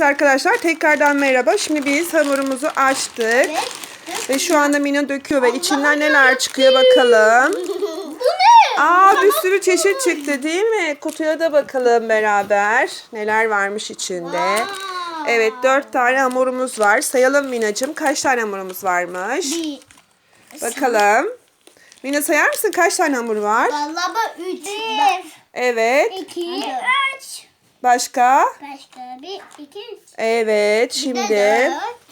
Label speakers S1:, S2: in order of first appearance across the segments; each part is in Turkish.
S1: Arkadaşlar tekrardan merhaba. Şimdi biz hamurumuzu açtık.
S2: Evet.
S1: Ve şu anda Mina döküyor ve içinden neler çıkıyor bakalım.
S2: Bu ne?
S1: Aa, bir sürü çeşit çıktı değil mi? Kutuya da bakalım beraber. Neler varmış içinde. Evet, 4 tane hamurumuz var. Sayalım Minacığım. Kaç tane hamurumuz varmış?
S2: Bir.
S1: Bakalım. Mina sayar mısın? Kaç tane hamur var?
S2: Vallahi ben 3.
S1: Evet.
S2: 2, 3.
S1: Başka?
S2: Başka 1, 2, 3.
S1: Evet. Şimdi.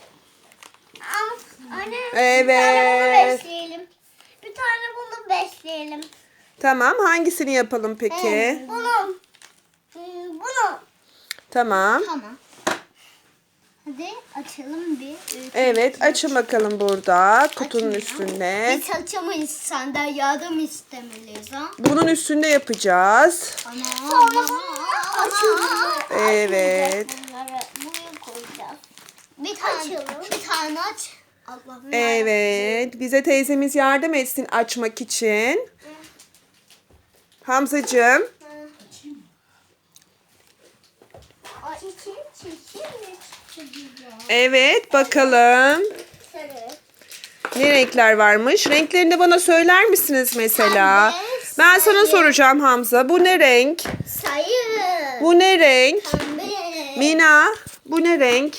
S2: Anne,
S1: Evet.
S2: bir tane bunu besleyelim. Bir tane bunu besleyelim.
S1: Tamam. Hangisini yapalım peki?
S2: Bunu. Bunu.
S1: Tamam.
S2: Tamam. Hadi açalım bir.
S1: Evet. Açın bakalım burada. Kutunun üstünde.
S2: Biz açamayız, senden yardım istemeliyiz ha.
S1: Bunun üstünde yapacağız.
S2: Sonra açalım.
S1: Evet.
S2: Buraya koyacağız. Bir tane aç. Allah'ım.
S1: Evet. Bize teyzemiz yardım etsin açmak için. Hamzacığım. Evet. Bakalım. Ne renkler varmış? Renklerini de bana söyler misiniz mesela?
S2: Pembe,
S1: Ben sana
S2: sarı.
S1: soracağım Hamza. Bu ne renk?
S2: Sayı.
S1: Bu ne renk?
S2: Pembe.
S1: Mina, bu ne renk?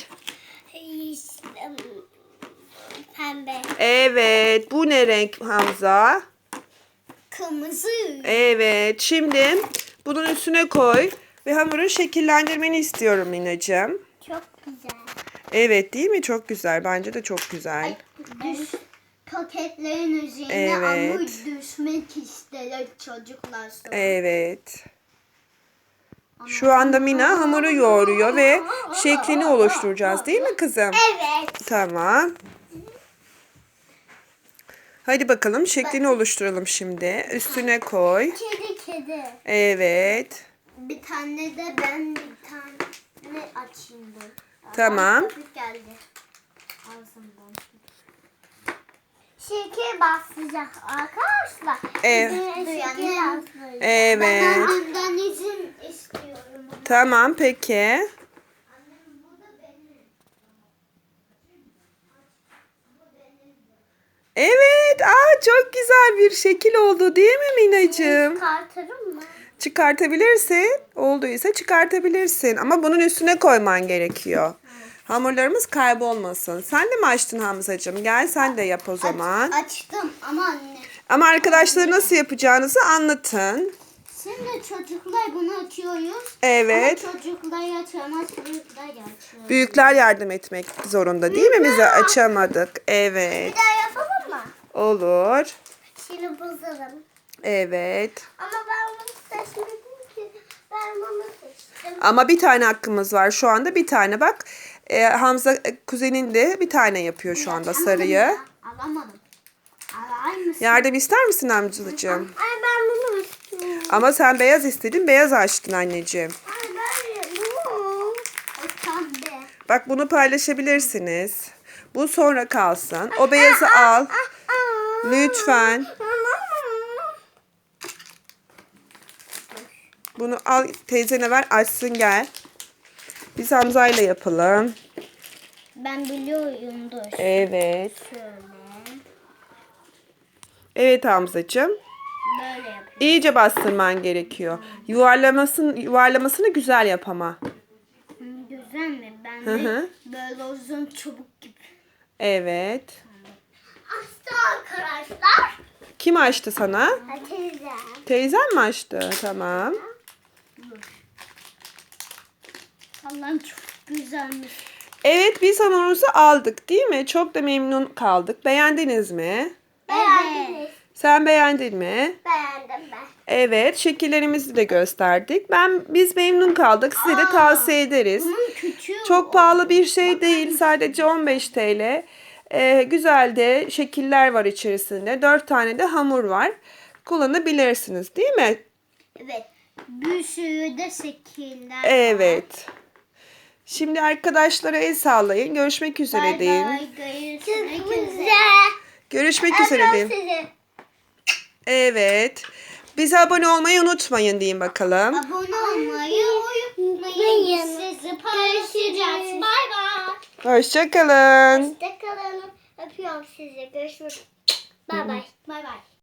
S2: Pembe.
S1: Evet. Bu ne renk Hamza?
S2: Kırmızı.
S1: Evet. Şimdi bunun üstüne koy ve hamuru şekillendirmeni istiyorum Minacığım.
S2: Çok güzel.
S1: Evet, değil mi? Çok güzel. Bence de çok güzel.
S2: Paketlerin üzerine
S1: Evet.
S2: hamur düşmek ister çocuklar sonra.
S1: Evet. Şu anda Mina hamuru yoğuruyor ve şeklini oluşturacağız, değil mi kızım?
S2: Evet.
S1: Tamam. Hadi bakalım şeklini oluşturalım şimdi. Üstüne koy.
S2: Kedi.
S1: Evet.
S2: Bir tane de ben bir tane açayım dur.
S1: Tamam.
S2: Köpük geldi. Ağzımdan. Şeker bastıracak arkadaşlar.
S1: Evet.
S2: Şeker bastıracak.
S1: Evet.
S2: Ben annemden izin istiyorum.
S1: Tamam peki. Evet. Çok güzel bir şekil oldu değil mi Minacığım?
S2: Çıkartırım mı?
S1: Çıkartabilirsin. Olduysa çıkartabilirsin. Ama bunun üstüne koyman gerekiyor. Hamurlarımız kaybolmasın. Sen de mi açtın Hamzacığım? Gel sen de yap o zaman.
S2: Açtım ama anne.
S1: Ama arkadaşlara nasıl yapacağınızı anlatın.
S2: Şimdi çocuklar bunu açıyoruz.
S1: Evet.
S2: Ama çocuklar açamaz, büyükler açıyor.
S1: Büyükler yardım etmek zorunda değil mi? Bize açamadık. Evet.
S2: Bir daha yapalım mı?
S1: Olur.
S2: Şimdi bozalım.
S1: Evet.
S2: Ama ben bunu seçmedim ki. Ben bunu seçtim.
S1: Ama bir tane hakkımız var. Şu anda bir tane bak. Hamza kuzenin de bir tane yapıyor şu anda
S2: Açamadım
S1: sarıyı.
S2: ya. Alamadım. Alayım mısın?
S1: Yardım ister misin amcacığım?
S2: Ay ben bunu istiyorum.
S1: Ama sen beyaz istedin. Beyaz açtın anneciğim.
S2: Ay ben bunu. O pembe.
S1: Bak bunu paylaşabilirsiniz. Bu sonra kalsın. O beyazı al. Lütfen. Bunu al teyzene ver açsın gel. Biz Hamza'yla yapalım.
S2: Ben biliyorum dur.
S1: Evet.
S2: Şöyle.
S1: Evet Hamzacığım.
S2: Böyle yapıyorum.
S1: İyice bastırman gerekiyor. Yuvarlamasını güzel yap ama.
S2: Güzel mi? Ben
S1: Hı
S2: de
S1: hı.
S2: böyle uzun çubuk gibi.
S1: Evet.
S2: Açtı arkadaşlar.
S1: Kim açtı sana?
S2: Teyze.
S1: Teyzen mi açtı? Tamam.
S2: Allah'ım çok güzelmiş.
S1: Evet biz hamurumuzu aldık değil mi? Çok da memnun kaldık. Beğendiniz mi?
S2: Beğendiniz.
S1: Sen beğendin mi?
S2: Beğendim ben.
S1: Evet, şekillerimizi de gösterdik. Biz memnun kaldık. Size de tavsiye ederiz.
S2: Bunun küçüğü.
S1: Çok pahalı bir şey değil. Sadece 15 TL. Güzel de şekiller var içerisinde. 4 tane de hamur var. Kullanabilirsiniz, değil mi?
S2: Evet. Bir sürü de şekiller.
S1: Evet. Şimdi arkadaşlara el sallayın. Görüşmek üzere deyin.
S2: Görüşmek üzere.
S1: Görüşmek üzere deyin. Evet. Bize abone olmayı unutmayın deyin bakalım.
S2: Abone olmayı unutmayın. Sizi paylaşacağız.
S1: Hoşçakalın.
S2: Hoşçakalın. Öpüyorum sizi. Görüşürüz. Bay bay. Bay bay.